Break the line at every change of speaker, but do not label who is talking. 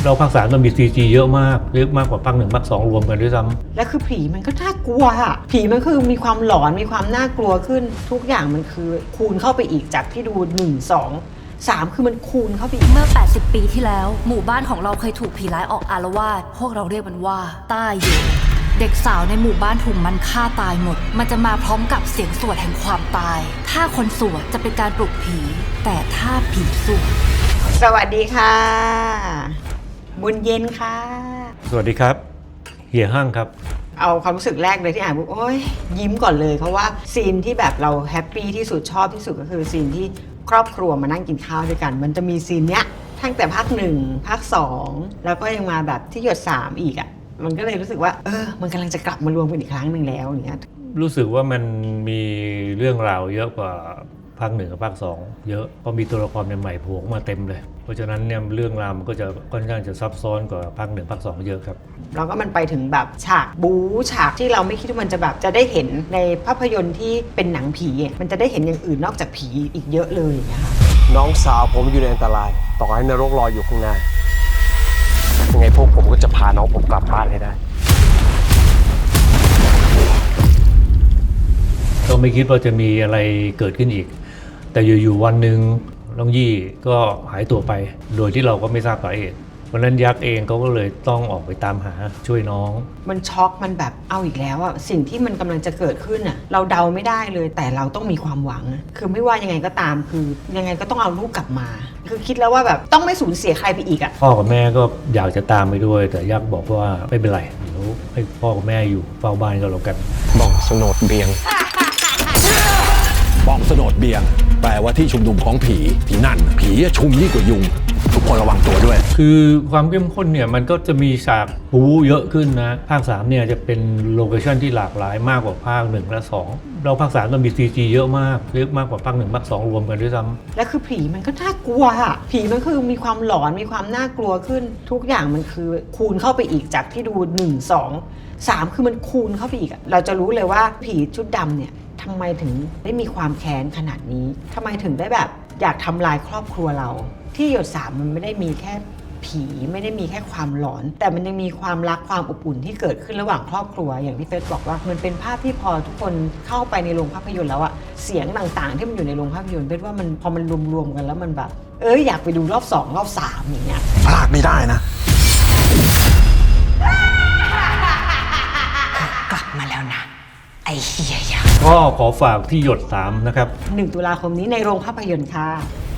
เราภาค3มันมี CG เยอะมากกว่าภาค1ภาค2รวมกันด้วยซ้ำ
และคือผีมันก็น่ากลัวอะผีมันคือมีความหลอนมีความน่ากลัวขึ้นทุกอย่างมันคือคูณเข้าไปอีกจากที่ดู1 2 3คือมันคูณเข้าไปอีก
เมื่อ 80 ปีที่แล้วหมู่บ้านของเราเคยถูกผีร้ายออกอาละวาดพวกเราเรียกมันว่าต้าเยเด็กสาวในหมู่บ้านถูกมันฆ่าตายหมดมันจะมาพร้อมกับเสียงสวดแห่งความตายถ้าคนสวดจะเป็นการปลุกผีแต่ถ้าผีสวด
สวัสดีค่ะบุญเย็นค่ะ
สวัสดีครับเฮียห้างครับ
เอาความรู้สึกแรกเลยที่อ่านปุ๊บโอ๊ยยิ้มก่อนเลยเพราะว่าซีนที่แบบเราแฮปปี้ที่สุดชอบที่สุดก็คือซีนที่ครอบครัวมานั่งกินข้าวด้วยกันมันจะมีซีนเนี้ยตั้งแต่ภาค1ภาค2แล้วก็ยังมาแบบที่หยด3อีกอ่ะมันก็เลยรู้สึกว่ามันกำลังจะกลับมารวมกันอีกครั้งหนึ่งแล้วอย่างเงี้ย
รู้สึกว่ามันมีเรื่องราวเยอะกว่าภาค1กับภาค2เยอะเพราะมีตัวละครใหม่ๆโผล่มาเต็มเลยเพราะฉะนั้นเนี่ยเรื่องราวมันก็จะค่อนข้างจะซับซ้อนกว่าภาค1ภาค2เยอะครับ
แล้วก็มันไปถึงแบบฉากบู๊ฉากที่เราไม่คิดว่ามันจะแบบจะได้เห็นในภาพยนตร์ที่เป็นหนังผีมันจะได้เห็นอย่างอื่นนอกจากผีอีกเยอะเลยอย่างเงี้ยค่ะ
น้องสาวผมอยู่ในอันตรายต่อให้นรกรออยู่ข้างหน้ายังไงพวกผมก็จะพาน้องผมกลับบ้านให้ได้
ก็ไม่คิดว่าจะมีอะไรเกิดขึ้นอีกแต่อยู่ๆวันหนึ่งน้องยี่ก็หายตัวไปโดยที่เราก็ไม่ทราบสาเหตุวันนั้นยักษ์เองเขาก็เลยต้องออกไปตามหาช่วยน้อง
มันช็อกมันแบบเอาอีกแล้วอะสิ่งที่มันกำลังจะเกิดขึ้นอะเราเดาไม่ได้เลยแต่เราต้องมีความหวังคือไม่ว่ายังไงก็ตามคือยังไงก็ต้องเอาลูกกลับมาคือคิดแล้วว่าแบบต้องไม่สูญเสียใครไปอีกอะ
พ่อกับแม่ก็อยากจะตามไปด้วยแต่ยักษ์บอกว่าไม่เป็นไรเดี๋ยวให้พ่อกับแม่อยู่เฝ้าบ้านก็แล้วกัน
บ้องสโนดเบียง
บ้องสโนดเบียงแปลว่าที่ชุมนุมของผีที่นั่นผีชุมยิ่งกว่ายุงทุกคนระวังตัวด้วย
คือความเข้มข้นเนี่ยมันก็จะมีฉากบู๊เยอะขึ้นนะภาค3เนี่ยจะเป็นโลเคชั่นที่หลากหลายมากกว่าภาค1และ2เราภาค3มันมี CG เยอะมากกว่าภาค1ภาค2รวมกันด้วยซ้ำ
และคือผีมันก็น่ากลัวอะผีมันคือมีความหลอนมีความน่ากลัวขึ้นทุกอย่างมันคือคูณเข้าไปอีกจากที่ดู1 2 3คือมันคูณเข้าไปอีกเราจะรู้เลยว่าผีชุดดำเนี่ยทำไมถึงได้มีความแค้นขนาดนี้ทำไมถึงได้แบบอยากทำลายครอบครัวเราที่หยด3มันไม่ได้มีแค่ผีไม่ได้มีแค่ความหลอนแต่มันยังมีความรักความอบอุ่นที่เกิดขึ้นระหว่างครอบครัวอย่างที่เฟซบอกว่ามันเป็นภาพที่พอทุกคนเข้าไปในโรงภาพยนตร์แล้วอะเสียงต่างๆที่มันอยู่ในโรงภาพยนตร์เฟซว่ามันพอมันรวมๆกันแล้วมันแบบอยากไปดูรอบ2รอบ3อย่างเงี้ย
พลาดไม่ได้นะ
กลับมาแล้วนะไอเฮีย
ก็ขอฝากที่หยด3นะครับ
1 ตุลาคมนี้ในโรงภาพยนตร์ค่ะ